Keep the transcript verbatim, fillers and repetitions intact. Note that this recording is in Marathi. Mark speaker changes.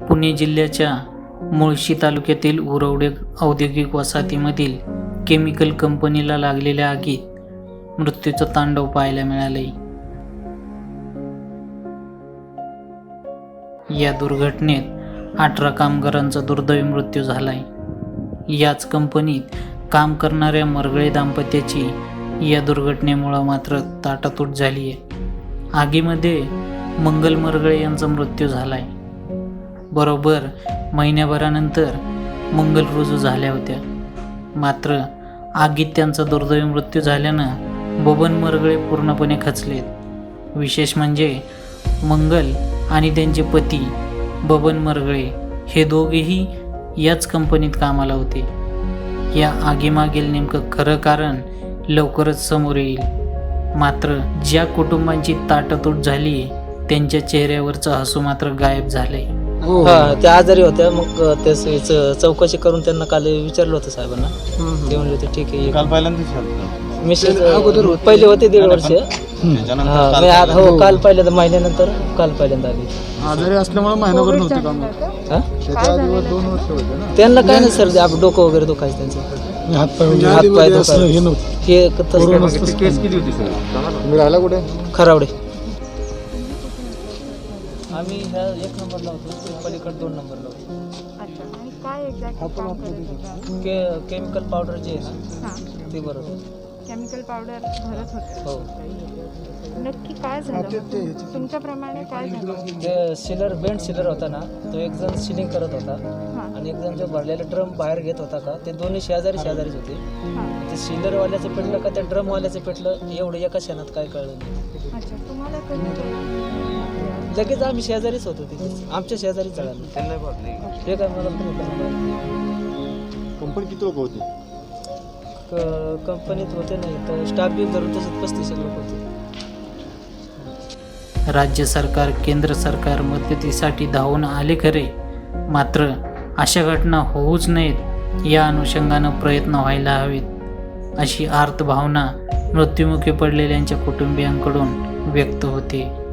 Speaker 1: पुणे जिल्ह्याच्या मुळशी तालुक्यातील उरवडे औद्योगिक वसाहतीमधील केमिकल कंपनीला लागलेल्या आगीत मृत्यूचं तांडव पाहायला मिळाले. या दुर्घटनेत अठरा कामगारांचा दुर्दैवी मृत्यू झालाय. याच कंपनीत काम करणाऱ्या मरगळे दाम्पत्याची या दुर्घटनेमुळे मात्र ताटातूट झाली आहे. आगीमध्ये मंगल मरगळे यांचा मृत्यू झालाय. बरोबर महिन्याभरानंतर मंगल रुजू झाल्या होत्या. मात्र आगीत त्यांचा दुर्दैवी मृत्यू झाल्यानं बबन मरगळे पूर्णपणे खचलेत. विशेष म्हणजे मंगल आणि त्यांचे पती बबन मरगळे हे दोघेही याच कंपनीत कामाला होते. या आगीमागील नेमकं खरं कारण लवकरच समोर येईल. मात्र ज्या कुटुंबांची ताटातूट झाली त्यांच्या चेहऱ्यावरचं हसू मात्र गायब झालंय.
Speaker 2: हा, त्या आजारी होत्या. मग त्या चौकशी करून त्यांना काल विचारलं होतं साहेबांना. ते म्हणले होते ठीक आहे.
Speaker 3: काल पहिल्यांदा
Speaker 2: मिसेस पहिले होते दीड वर्ष. हा, मी आज हो काल पहिल्यांदा महिन्यानंतर काल पहिल्यांदा आली.
Speaker 3: आजारी असल्यामुळे महिनाभर नव्हते काम.
Speaker 2: हा?
Speaker 3: त्याच्या आधी दोन वर्ष होते ना.
Speaker 2: त्यांना काय नाही सर, आप डोकं वगैरे दुखायचं त्यांचं.
Speaker 3: हातपाय
Speaker 2: हातपाय दुखायचं हे
Speaker 3: केस किती होती सर? तुम्ही राहिला कुठे?
Speaker 2: खरावडे. आम्ही ह्या एक नंबरला होतो, पलीकडे दोन नंबरला होतो.
Speaker 4: अच्छा. आणि काय एक्झॅक्ट काम करत होता?
Speaker 2: के केमिकल पावडर जे आहे ना
Speaker 4: हां,
Speaker 2: ते बरोबर.
Speaker 4: केमिकल पावडर भरत होते.
Speaker 2: हो,
Speaker 4: नक्की काय झालं? तुमच्याप्रमाणे काय झालं?
Speaker 2: ते सिलर बेंड सिलर होता ना, तो एक जण सिलिंग करत होता
Speaker 4: हां,
Speaker 2: आणि एक जण जो भरलेला ड्रम बाहेर घेत होता का, ते दोन्ही शेजारी शेजारीच होते.
Speaker 4: हां.
Speaker 2: ते सिलरवाल्याचं पेटलं का त्या ड्रमवाल्याचं पेटलं एवढं एका क्षणात काय कळलं नाही.
Speaker 4: अच्छा. तुम्हाला कधी
Speaker 2: लगेच आम्ही शेजारीच होतो तिथे, आमच्या शेजारीच जळालं. हे काय मला पण
Speaker 3: कंपनी किती लोक होते?
Speaker 2: कंपनीत होते नाही तर स्टाफ बी धरून तसेच पस्तीस लोक होते.
Speaker 1: राज्य सरकार केंद्र सरकार मदतीसाठी धावून आले खरे, मात्र अशा घटना होऊच नयेत या अनुषंगानं प्रयत्न व्हायला हवेत, अशी आर्त भावना मृत्युमुखी पडलेल्यांच्या कुटुंबियांकडून व्यक्त होते.